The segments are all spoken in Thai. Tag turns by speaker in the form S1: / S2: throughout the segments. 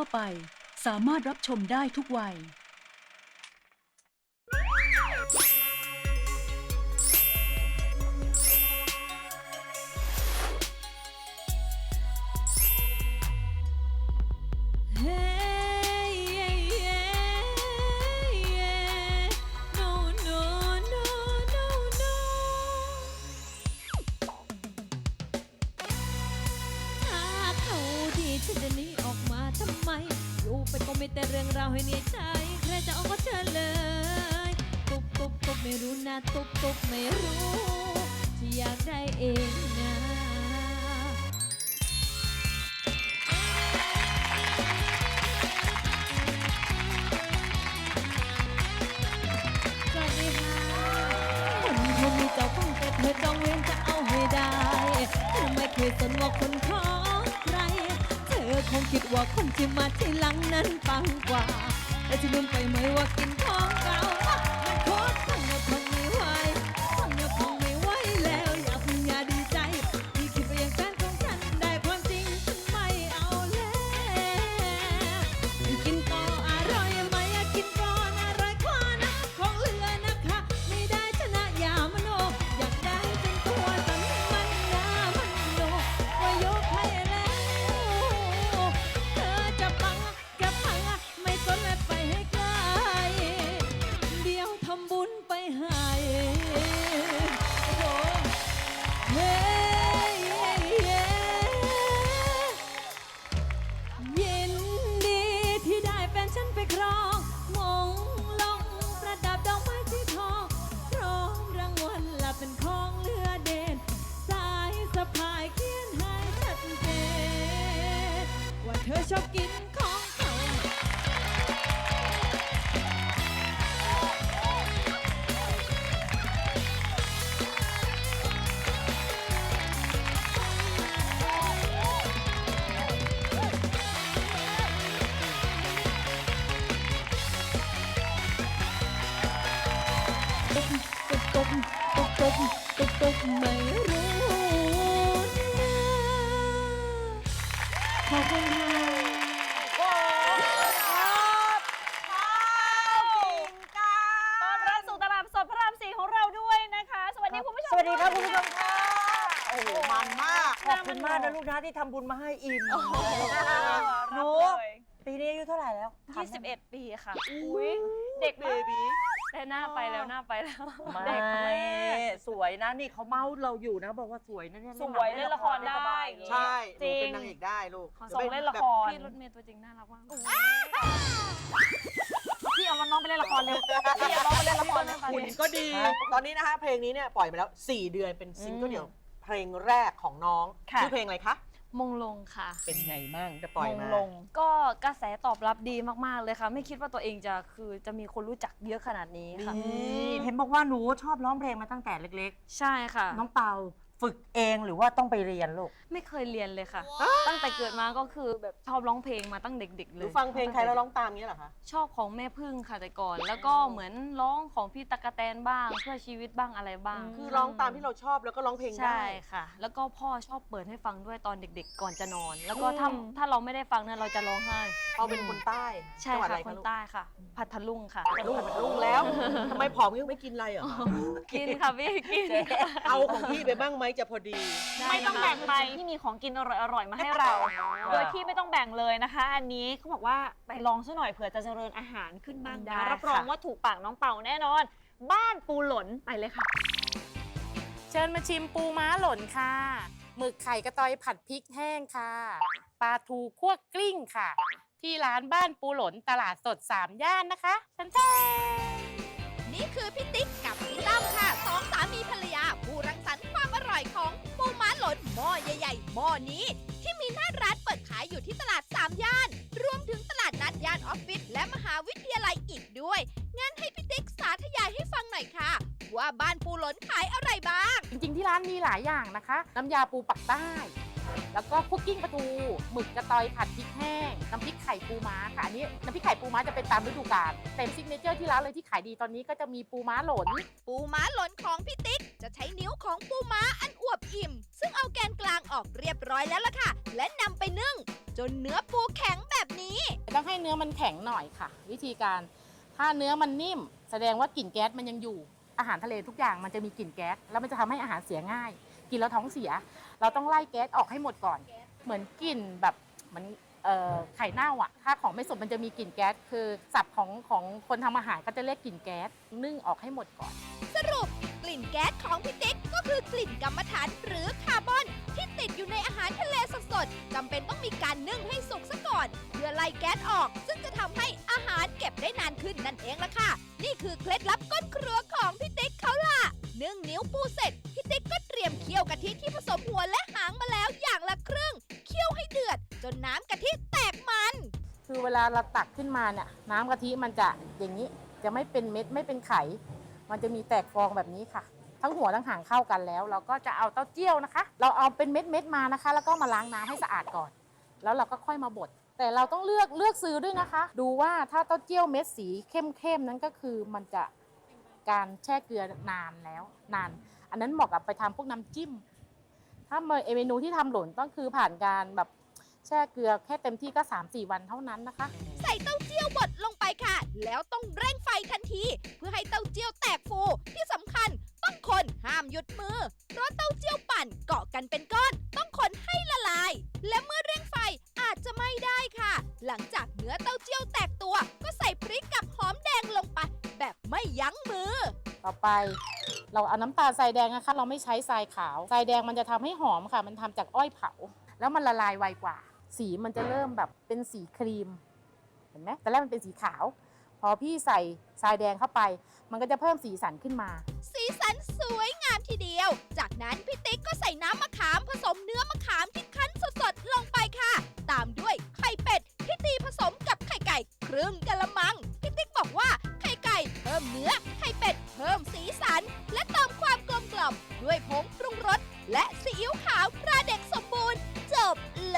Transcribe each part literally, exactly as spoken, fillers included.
S1: ไปสามารถรับชมได้ทุกวัย
S2: ฉันจะหนีออกมาทำไมอยู่ไปก็ไม่แต่เรื่องราวให้เหนื่อยใจใครจะเอาก็เชิญเลยตุบตุบตุบไม่รู้นะตุบตุบไม่รู้ที่อยากได้เองนะสวัสดีค่ะคนคนมีเจ้าของแต่เธอจองเวรจะเอาให้ได้เธอไม่เคยสนว่าคนของใครเธอคงคิดว่าคนที่มาทีหลังนั้นปังกว่าแต่จะลืมไปไหมว่ากินของเก่ามันโคตรทั้งหมดทนไม่ไหวทั้งหมดคงไม่ไหวแล้วอย่าเพิ่งอย่าดีใจที่คิดไปอย่างแฟนของฉันได้ความจริงฉันไม่เอาแล้วกินต่ออร่อยไหมกินก่อนอร่อยกว่านะของเหลือนะคะไม่ได้ชนะอย่ามโนอยากได้จนตัวสั่นมันหน้ามันโนว่ายกให้แล้วเธอจะปังจะพังไม่สนและไปให้ไกลเดี๋ยวทำบุญไปให้โอ้เฮ้ยินดีที่ได้แฟนฉันไปครองมงลงประดับดอกไม้สีทองพร้อมรางวัลละเป็นของเหลือเด่นสายสะพายเขียนให้ชัดเจนว่าเธอชอบกินของเขาตุบตุบตุบตุบตุบตุบไม่รู้นะขอบคุณค่ะ
S3: ต้อนรับสู่ตลาดสดพระรามสี่ของเราด้วยนะคะ สวัสดีคุณผู้ชม
S4: สวัสดีครับคุณผู้ชมค่ะ
S3: โอ้โห
S4: มันมากขอบ
S3: มั
S4: คุ
S3: น
S4: ณมากนะลูกนะที่ทำบุญมาให้อิ่มหนู
S3: รับเลย
S4: ปีนี้อายุเท่าไหร่แล้ว
S3: ยี่สิบเอ็ดปีค่ะอุ้ยเด็ก
S4: เบ
S3: มาก
S4: บี
S3: แต่หน้าไปแล้วหน้าไปแล้ว
S4: ไม่
S3: เด็กมาก
S4: สวยนะนี่เขาเมาเราอยู่นะบอกว่าสวยนะเนี่ย
S3: สวยเล่นละครได้
S4: ใช่ห
S3: จ
S4: นู
S3: ริง
S4: เป็นนางเอกได้ลูก
S3: ส่งเล่นละครพี่รถเมย์ตัวจริงน่ารักมากพี่เอาน้องไปเล่นละครเลยพี่เอาน้องไปเล่นละครเลยค่ะ
S5: หุ่นก็ดี ตอนนี้นะคะเพลงนี้เนี่ยปล่อยมาแล้วสี่เดือนเป็นซิงเกิลเดี่ยวเพลงแรกของน้องชื่อเพลงอะไรคะ
S3: มงลงค่ะ
S5: เป็นไงมั่งจะปล่อยมา
S3: ลงก็กระแสตอบรับดีมากๆเลยค่ะไม่คิดว่าตัวเองจะคือจะมีคนรู้จักเยอะขนาดนี้ค่ะ
S4: นี่เห็นบอกว่าหนูชอบร้องเพลงมาตั้งแต่เล็ก
S3: ใช่ค่ะ
S4: ๆ น้องเปาฝึกเองหรือว่าต้องไปเรียนลูก
S3: ไม่เคยเรียนเลยค่ะ ตั้งแต่เกิดมาก็คือแบบชอบร้องเพลงมาตั้งเด็กๆ
S5: ห
S3: เล
S5: รือย ฟังเพลงใครแล้วร้องตามเงี้ยเหรอคะ
S3: ชอบของแม่พึ่งค่ะแต่ก่อน แล้วก็เหมือนร้องของพี่ตั๊กแตนบ้างเพื่อชีวิตบ้างอะไรบ้าง
S5: คือร้องตามที่เราชอบแล้วก็ร้องเพลงได้
S3: ใช่ค่ะ แล้วก็พ่อชอบเปิดให้ฟังด้วยตอนเด็กๆ ก่อนจะนอน แล้วก็ถ้าถ้าเราไม่ได้ฟังเนี่ยเราจะร้องไห้
S5: เอาเป็นคนใต้
S3: ใช่
S5: จังหวัด
S3: ค่ะ
S5: อะไร
S3: ค
S5: คะ
S3: น
S5: ลูก
S3: ใต้ค่ะ พัทลุงค่ะ
S5: ลูกลูกแล้วทำไมผอมยังไม่กินอะไรเหรอ
S3: กินค่ะพี่กิน
S5: เอาของพี่ไปบ้างไหมจะพอดี
S3: ไม่ต้องแบ่งไปที่มีของกินอร่อยๆมาให้เรา โดยที่ไม่ต้องแบ่งเลยนะคะ อันนี้เขาบอกว่าไปลองซะหน่อยเผื่อจะเจริญอาหารขึ้นบ้างได้นะค่ะรับรองว่าถูกปากน้องเป่าแน่นอน บ้านปูหลนไปเลยค่ะ
S6: เชิญมาชิมปูม้าหล่นค่ะ หมึกไข่กระตอยผัดพริกแห้งค่ะ ปลาทูคั่วกลิ้งค่ะ ที่ร้านบ้านปูหล่นตลาดสดสามย่านนะคะทันที
S7: นี่คือพี่ติ๊กกับพี่ตั้มค่ะสองสามีภรรยาผู้รังสรรค์ความอร่อยของปูม้าหล่นหม้อใหญ่ๆหม้อนี้ ที่มีหน้าร้านเปิดขายอยู่ที่ตลาดสามย่าน รวมถึงตลาดนัดย่านออฟฟิศและมหาวิทยาลัยอีกด้วย งั้นให้พี่ติ๊กสาธยายให้ฟังหน่อยค่ะ ว่าบ้านปูหล่นขายอะไรบ้าง
S6: จริงๆที่ร้านมีหลายอย่างนะคะ น้ำยาปูปักใต้ แล้วก็คุกกิ้งปลาทู หมึกกระตอยผัดพริกแห้ง น้ำพริกไข่ปูม้าค่ะ อันนี้น้ำพริกไข่ปูม้าจะเป็นตามฤดูกาลเต็มซิกเนเจอร์ที่ร้านเลยที่ขายดีตอนนี้ก็จะมีปูม้าหล่น
S7: ปูม้าหล่นของพี่ติ๊กจะใช้นิ้วของปูม้าอันอวบอิ่ม ซึ่งเอาแกนกลางออกเรียบร้อยแล้วล่ะค่ะ และนำไปนึ่ง จนเนื้อปูแข็งแบบนี้
S6: เนื้อมันแข็งหน่อยค่ะ วิธีการถ้าเนื้อมันนิ่ม แสดงว่ากลิ่นแก๊สมันยังอยู่อาหารทะเลทุกอย่างมันจะมีกลิ่นแก๊สแล้วมันจะทำให้อาหารเสียง่าย กินแล้วท้องเสีย เราต้องไล่แก๊สออกให้หมดก่อน เหมือนกลิ่นแบบเหมือนเอ่อไข่เน่าอ่ะถ้าของไม่สุกมันจะมีกลิ่นแก๊สคือศัพท์ของของคนทำอาหารก็จะเรียกกลิ่นแก๊สนึ่งออกให้หมดก่อน
S7: สรุปกลิ่นแก๊สของพี่ติ๊กก็คือกลิ่นกัมมันถันหรือคาร์บอนที่ติดอยู่ในอาหารทะเลสดๆจำเป็นต้องมีการนึ่งให้สุกซะก่อนเพื่อไล่แก๊สออกซึ่งจะทำให้อาหารเก็บได้นานขึ้นนั่นเองล่ะค่ะนี่คือเคล็ดลับก้นครัวของพี่ติ๊กเขาล่ะนึ่งนิ้วปูเสร็จพี่ติ๊กก็เตรียมเคี่ยวกะทิที่ผสมหัวและหางมาแล้วอย่างละครึ่งเคี่ยวให้เดือดจนน้ำกะทิแตกมัน
S6: คือเวลาเราตักขึ้นมาเนี่ยน้ำกะทิมันจะอย่างนี้จะไม่เป็นเม็ดไม่เป็นไข่มันจะมีแตกฟองแบบนี้ค่ะ ทั้งหัวทั้งหางเข้ากันแล้ว เราก็จะเอาเต้าเจี้ยวนะคะ เราเอาเป็นเม็ดเม็ดๆมานะคะ แล้วก็มาล้างน้ำให้สะอาดก่อน แล้วเราก็ค่อยมาบดแต่เราต้องเลือกเลือกซื้อด้วยนะคะ ดูว่าถ้าเต้าเจี้ยวเม็ดสีเข้มๆนั้นก็คือมันจะการแช่เกลือนานแล้วนาน อันนั้นเหมาะกับไปทำพวกน้ำจิ้ม ถ้าเมนูที่ทำหล่นต้องคือผ่านการแบบแช่เกลือแค่เต็มที่ก็ สามสี่ วันเท่านั้นนะคะ
S7: ใส่เต้าเจี้ยวบดลงไปค่ะ แล้วต้องเร่งไฟทันที เพื่อให้เต้าเจี้ยวแตกฟูที่สำคัญต้องคนห้ามหยุดมือ เพราะเต้าเจี้ยวปั่นเกาะกันเป็นก้อน ต้องคนให้ละลาย และเมื่อเร่งไฟอาจจะไม่ได้ค่ะ หลังจากเนื้อเต้าเจี้ยวแตกตัวก็ใส่พริกกับหอมแดงลงไป แบบไม่ยั้งมือ
S6: ต่อไปเราเอาน้ำตาลทรายแดงนะคะ เราไม่ใช้ทรายขาวทรายแดงมันจะทำให้หอมค่ะ มันทำจากอ้อยเผา แล้วมันละลายไวกว่า สีมันจะเริ่มแบบเป็นสีครีม เห็นไหมแต่แรกมันเป็นสีขาว พอพี่ใส่ทรายแดงเข้าไป มันก็จะเพิ่มสีสันขึ้นมา
S7: สีสันสวยงามทีเดียว จากนั้นพี่ติ๊กก็ใส่น้ำมะขามผสมเนื้อมะขามที่คั้นสดๆลงไปค่ะ ตามด้วยไข่เป็ดที่ตีผสมกับไข่ไก่ครึ่งกะละมัง พี่ติ๊กบอกว่าไข่ไก่เพิ่มเนื้อ ไข่เป็ดเพิ่มสีสัน และเติมความกลมกล่อมด้วยผงปรุงรสและซีอิ๊วขาวตราเด็กสมบูรณ์ จบเลย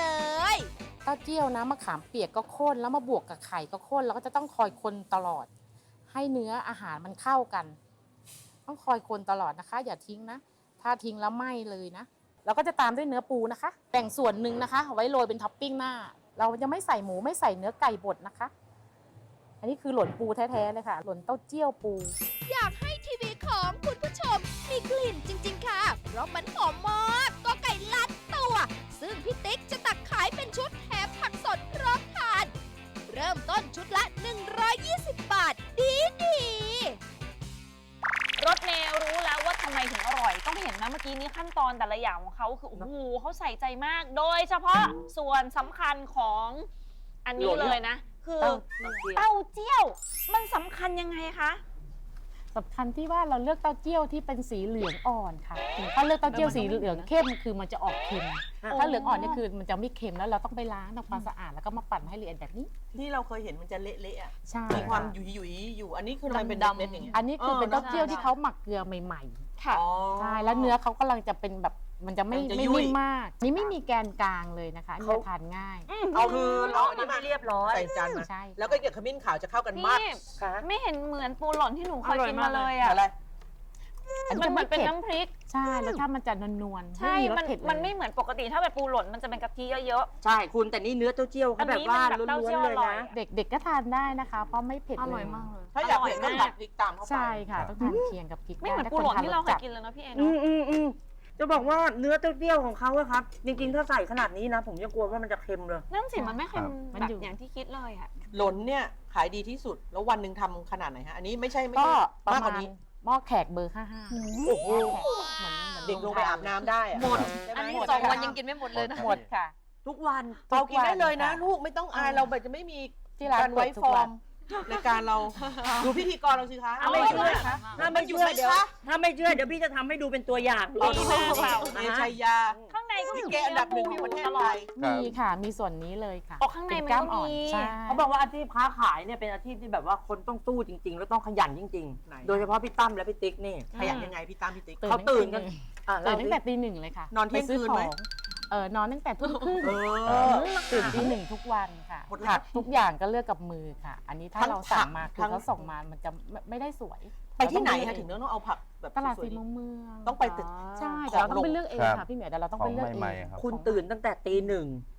S6: เต้าเจี้ยวน้ำมะขามเปียกก็ข้นแล้วมาบวกกับไข่ก็ข้นแล้วก็จะต้องคอยคนตลอด ให้เนื้ออาหารมันเข้ากัน ต้องคอยคนตลอดนะคะ อย่าทิ้งนะ ถ้าทิ้งแล้วไหม้เลยนะเราก็จะตามด้วยเนื้อปูนะคะแบ่งส่วนหนึ่งนะคะเอาไว้โรยเป็นท็อปปิ้งหน้า เราจะไม่ใส่หมูไม่ใส่เนื้อไก่บดนะคะ อันนี้คือหล่นปูแท้ๆเลยค่ะ หล่นเต้าเจี้ยวปู
S7: อยากให้ทีวีของคุณผู้ชมมีกลิ่นจริงๆค่ะ เพราะมันหอมมากก็ไก่ลัดตัว ซึ่งพี่ติ๊กจะตักขายเป็นชุดแถมผักสดพร้อมทาน เริ่มต้นชุดละ หนึ่งร้อยยี่สิบ บาท ดีดีๆ
S3: รสเมย์รู้แล้วว่าทำไมถึงอร่อย ต้องเห็นนะเมื่อกี้นี้ขั้นตอนแต่ละอย่างของเขาคือโอ้โหเขาใส่ใจมาก โดยเฉพาะส่วนสำคัญของอันนี้เลยนะ คือเต้าเจี้ยวมันสำคัญยังไงคะ
S6: สำคัญที่ว่าเราเลือกเต้าเจี้ยวที่เป็นสีเหลืองอ่อนค่ะถ้าเลือกเต้าเจี้ยวสีเหลืองเข้มคือมันจะออกเค็ม ถ้าเหลืองอ่อนนี่คือมันจะไม่เค็มแล้วเราต้องไปล้างทำความสะอาดแล้วก็มาปั่นให้ละเอียดแบบนี้
S5: ที่เราเคยเห็นมันจะเละๆอ่ะ
S6: ใช่
S5: มีความหยุยๆอยู่ อันนี้คือมันเป็นดำๆอย่างเงี้ย
S6: อันนี้คือเป็นเต้าเจี้ยวที่เขาหมักเกลือใหม่
S3: ค่ะ
S5: อ๋อ
S6: ๆใช่แล้วเนื้อเขากำลังจะเป็นแบบมันจะไม่
S5: มันจะ
S6: ไม่
S5: ยุ่ย
S6: นิ่มมากนี่ไม่มีแกนกลางเลยนะคะอันนี้จะทานง่าย
S5: เอาคือเรา
S4: อั
S5: อั
S4: น
S5: น
S4: นี้
S5: นี้
S4: มา
S5: มา
S4: เรียบร้อย
S5: ใส่จานมา
S6: ใช่
S5: แล้วก็เกี่ยวขมิ้นขาวจะเข้ากันมาก
S3: พี่
S4: ค่ะ
S3: ไม่เห็นเหมือนปูหล่นที่หนูเคยกินมาเลย
S5: อะ
S3: อ่ะ
S5: ไร
S6: อัน
S3: มัน
S6: นี้
S3: เหมื
S6: จะ
S3: อนเป็น
S6: ไผ็ด
S3: น้ำพริก
S6: ใช่แล้วถ้ามันจะนวลๆ
S3: ใช่
S6: ไม่มีรส
S3: มัน
S6: เผ็ดเลย
S3: มันไม่เหมือนปกติถ้าเป็นปูหล่นมันจะเป็นกะทิเยอะ
S4: ใช่คุณแต่นี่เนื้อเต้าเจี้ยว
S3: อั
S4: เขา
S3: น
S4: แบ
S3: นี้
S4: บว่า
S3: มันแบบ
S4: ล้
S3: เต้าเจี้
S4: วน
S3: ยว
S4: ๆเลย
S3: อร่อย
S4: นะ
S6: เด็กๆก็ทานได้นะคะ เพราะไม่เผ็ด
S3: ๆ อ
S6: เล
S3: ร่อย
S6: ย
S3: มากเลย
S5: ถ้าอยากเผ็ดก็
S3: ร่
S5: ตัดพริกตามเข้าไป
S6: ใช่ค่ะต้องทานเคียงกับพริก
S3: ไม่เหมือน
S6: ด้
S3: ปูหล่น
S6: ถ้า
S3: ที่เราเค
S6: ท
S3: ยกินเลยนะพี่เอ
S4: อื
S3: เนาะ
S4: มอืมอืมจะบอกว่าเนื้อเต้าเจี้ยวของเขาอะครับ จริงๆ ถ้าใส่ขนาดนี้นะ ผมยังกลัวว่ามันจะเค็มเลย
S3: นั่นสิมันไม่เค็ม
S6: มัน
S3: แบบ
S6: อยู่
S3: อย่างที่คิดเลยอ่ะ
S5: หล่นเนี่ยขายดีที่สุด แล้ววันหนึ่งทำขนาดไหนฮะ อันนี้ไม่ใช่ไม่
S6: ก็
S5: ใช่
S6: ประ
S5: มากก
S6: มา
S5: ว่า
S6: ณ
S5: นี้
S6: หม้อแขกเบอร์ห้าห้า
S5: โอ้โห
S6: เหมือนเหมือน
S5: เด็กลงไปอาบน้ำได้อะ
S4: หมด
S5: ใช่ไหม
S3: อันนี้
S5: หมด
S3: สอง
S5: ค่ะ
S3: วันยังกินไม่หมดเลยนะ
S6: หมดค่ะ
S4: ทุกวัน
S5: เรากินได้เลยนะ
S6: ทุกวันค่ะ
S5: ลูกไม่ต้องอายเราแบบจะไม่มี
S6: ที่ร้าน
S5: การไว้
S6: เปิดทุ
S5: ฟ
S6: ก
S5: อ
S6: วั
S5: ร์
S6: น
S5: มรายการเรา ดูพิธีกรเราสิคะ
S4: ถ้าไม่เชื่อ
S5: คะ
S4: ถ้าไม่เชื่อ
S5: มันอยู่ไหน
S4: เดี๋ยว
S5: คะ
S4: ถ้าไม่เชื่อเดี๋ยวพี่จะทำให้ดูเป็นตัวอย่าง
S5: โอ้โหเอชัยยา
S3: ข้างในก็
S5: ลิ
S3: มี
S5: เกอันดับหนึ่งของประเทศไทย
S6: มีค่ะ มีส่วนนี้เลยค่ะ
S3: ออกข้างในมัน
S6: เป็ล้า
S3: ก็
S6: อ่อ
S3: มี
S6: ใช่
S4: เขาบอกว่าอาชีพค้าขายเนี่ยเป็นอาชีพที่แบบว่าคนต้องสู้จริง ๆ แล้วต้องขยันจริง
S5: ไหน
S4: ๆ โดยเฉพาะพี่ตั้มและพี่ติ๊กนี่
S5: ขยันยังไงพี่ตั้มพี่ติ๊ก
S4: เขาตื่นกัน อ่ะ
S6: ตื่
S4: เรา
S6: นตั้งแต่ตีหนึ่งเลยค่ะ
S5: นอนเที่ยง
S6: ปซื้
S5: คืนไหม
S6: ของเออนอนตั้งแต่ทุ่มครึ่ง
S5: เอ
S6: เอ
S5: อ
S6: อตื่นตีหนึ่งทุกวันค่ะ
S5: หมดแล้ว
S6: ผักทุกอย่างก็เลือกกับมือค่ะ อันนี้ถ้า
S5: ทั้ง
S6: เราสั่งมา
S5: ผัก
S6: คือ
S5: ทั้ง
S6: เขาส่งมามันจะไม่ไม่ได้สวย
S5: ไปที่ไหน
S6: เรา
S5: คะ
S6: ต้
S5: ถึ
S6: อง
S5: ง
S6: เลือก
S5: ต้องเอาผักแบบ
S6: ตลาด
S5: สวย
S6: สี่
S5: ๆ
S6: มุมเมือง
S5: ต้องไปตึก
S6: ใช่
S5: ของ
S6: แต่เราต้องไป
S5: ลง
S6: เลือกเอง
S8: ครั
S6: ค่ะ
S8: บ
S6: พี่เหมียวแต่เราต้อง
S8: ขอ
S6: ไป
S8: ง
S6: เลือกเอง
S8: ใหม่ๆครับ
S4: คุณตื่นตั้งแต่ตีหนึ่ง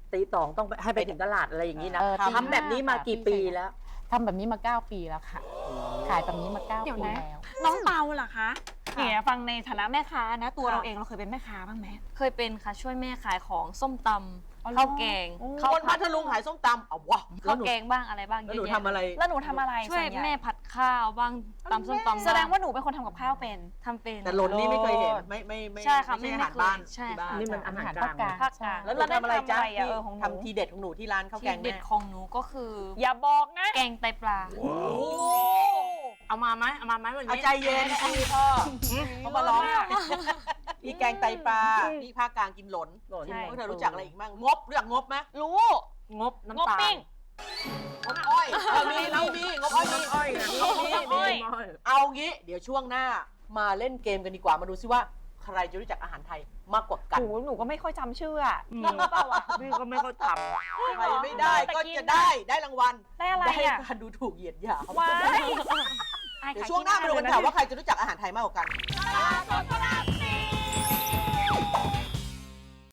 S4: ตีสองต้องไปให้ไปถึงตลาดอะไรอย่างนี้นะ
S6: เออตี
S4: ทำแบบนี้มา
S6: ห้า
S4: กี่
S6: ค่ะ
S4: ปีแล้ว
S6: ทำแบบนี้มาเก้าปีแล้วค่ะ ขายแบบนี้มาเก้า
S3: เดี๋ยว
S6: ปี
S3: นะ
S6: แล้ว
S3: น้องเปาล่ะคะ
S6: ค่ะ
S3: เนี่ยฟังในฐานะแม่ค้านะ ตัวเราเองเราเคยเป็นแม่ค้าบ้างไหม
S8: เคยเป็นค่ะ ช่วยแม่ขายของส้มต
S3: อ๋อ
S8: ำ
S3: เหรอ
S8: ข้าวแกง
S3: โอ้
S8: ข้าว
S5: คน
S8: ผั
S5: พั
S8: ด
S5: ทลุงขายส้มตำเอาวะแล้
S8: ข้าว ว
S5: หนู
S8: แกงบ้างอะไรบ้าง
S5: แล้ว
S8: เย
S5: หนู
S8: อะแยะ
S5: ทำอะไร
S3: แล้วหนูทำอะไร
S8: ช่วย
S3: ส่นใหญ่
S8: แม่ผัดข้าวบ้างตำส้มตำ
S3: แสดง
S8: บ้
S3: ว่าหนูเป็นคนทำกับข้าวเป็น
S8: ทำเป็น
S5: แต่หล่นนี่ไม่เคยเห็นไม่ไม่ไม่
S8: ใช่ค่ะ
S5: ไม่ใช่
S8: ไม่
S5: อาหาร
S8: เคย
S5: บ้าน
S8: ใช่
S5: ที่บ้าน
S8: ค่ะ
S4: นี่มันอาหารกลาง
S6: ภาคกลาง
S5: แล้วหนูทำอะไรจ๊ะ
S3: แล้วได้ทำอะไรอะเออของหนู
S5: ทำทีเด็ดของหนูที่ร้านข้าวแก
S8: ที่
S5: ง
S8: เด็
S5: แม่
S8: ดของหนูก็คือ
S3: อย่าบอกนะ
S8: แกงไตปลา
S5: โอ้โห
S6: เอามาไหมเอามาไหมวัน
S5: เอา
S6: นี้
S5: ใจเย็นพี่พ่อเขามาร้องพี่แกงไตปลาพี่ภาคกลางกินหล่น
S4: หล่น
S3: ใช่
S5: พวกเธอรู้จักอะไรอีกบ้างงบรู้จักงบไหม
S3: รู้
S4: งบ
S3: งบ
S4: น้ำตาล
S3: ปิ้ง
S5: งบอ้อยเออมีมีมีงบอ้อยมี
S4: อ้อยนะ
S5: มีมี
S3: อ้อย
S5: มีเอางี้เดี๋ยวช่วงหน้ามาเล่นเกมกันดีกว่ามาดูซิว่า ใครจะรู้จักอาหารไทยมากกว่ากัน
S3: หนูหนูก็ไม่ค่อยจำชื่ออะ
S4: อืม
S3: จริงหรือเปล่าอะ
S4: พี่ก็ไม่เข้าทำ
S5: ใครไม่ได้ก็จะได้ได้รางวัล
S3: ได้อะไร
S5: ได้
S3: อะ
S5: การดูถูกเหยียดหยาม
S3: ว้าย
S5: เดี๋ยวช่วงหน้ามาดูกันค่ะว่าใครจะรู้จักอาหารไทยมากกว่ากัน
S7: ตลาดสดพระราม